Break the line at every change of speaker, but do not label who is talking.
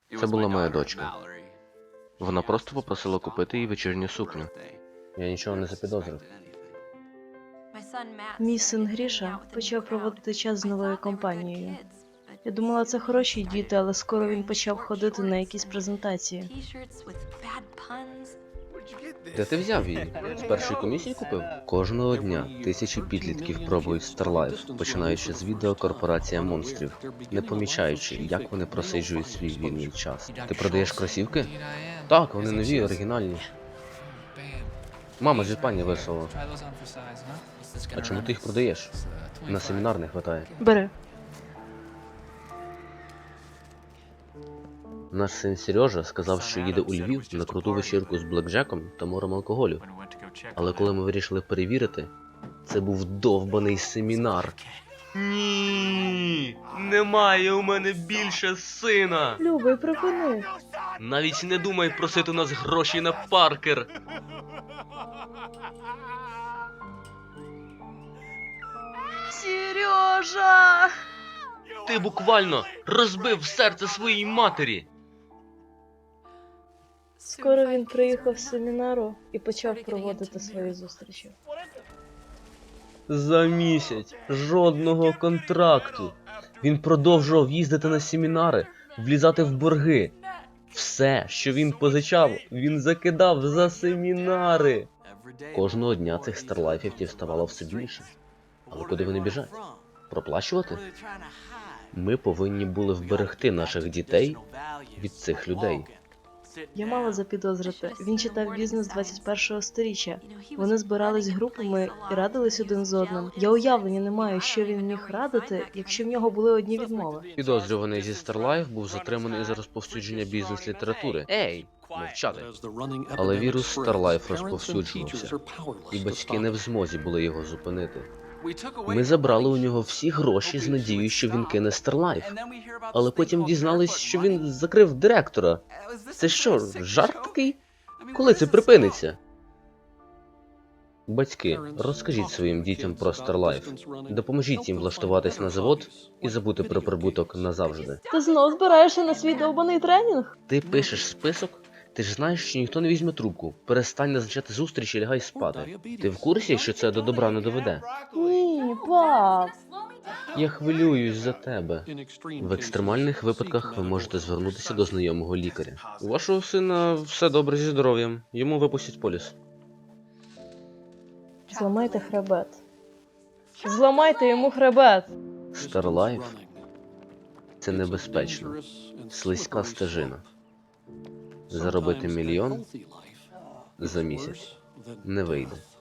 Це була моя дочка. Вона просто попросила купити їй вечірню сукню. Я нічого не запідозрив.
Мій син Гріша почав проводити час з новою компанією. Я думала, це хороші діти, але скоро він почав ходити на якісь презентації.
Де ти взяв її? З першої комісії купив? Кожного дня тисячі підлітків пробують StarLife, починаючи з відео «Корпорація монстрів», не помічаючи, як вони просиджують свій вільний час. Ти продаєш кросівки? Так, вони нові, оригінальні. Мама з Японії вислала. А чому ти їх продаєш? На семінар не хватає.
Бери.
Наш син Сережа сказав, що їде у Львів на круту вечірку з блекджеком та морем алкоголю. Але коли ми вирішили перевірити, це був довбаний семінар. Ні, немає у мене більше сина.
Любий, припини.
Навіть не думай просити у нас гроші на Паркер.
Сережа!
Ти буквально розбив серце своїй матері.
Скоро він приїхав з семінару і почав проводити свої зустрічі.
За місяць жодного контракту. Він продовжував їздити на семінари, влізати в борги. Все, що він позичав, він закидав за семінари. Кожного дня цих старлайфів ставало все більше. Але куди вони біжать? Проплачувати? Ми повинні були вберегти наших дітей від цих людей.
Я мала запідозрити. Він читав бізнес 21-го сторіччя. Вони збирались групами і радились один з одним. Я уявлення не маю, що він міг радити, якщо в нього були одні відмови.
Підозрюваний зі StarLife був затриманий за розповсюдження бізнес-літератури. Ей, мовчати. Але вірус StarLife розповсюджувався, і батьки не в змозі були його зупинити. Ми забрали у нього всі гроші з надією, що він кине StarLife. Але потім дізнались, що він закрив директора. Це що, жарт такий? Коли це припиниться? Батьки, розкажіть своїм дітям про StarLife. Допоможіть їм влаштуватись на завод і забути про прибуток назавжди.
Ти знов збираєшся на свій довбаний тренінг?
Ти пишеш список? Ти ж знаєш, що ніхто не візьме трубку. Перестань назначати зустріч і лягай спати. Ти в курсі, що це до добра не доведе?
Ні, пап.
Я хвилююсь за тебе. В екстремальних випадках ви можете звернутися до знайомого лікаря. У вашого сина все добре зі здоров'ям. Йому випустять поліс.
Зламайте хребет. Зламайте йому хребет.
StarLife – це небезпечно. Слизька стежина. Заробити мільйон за місяць не вийде.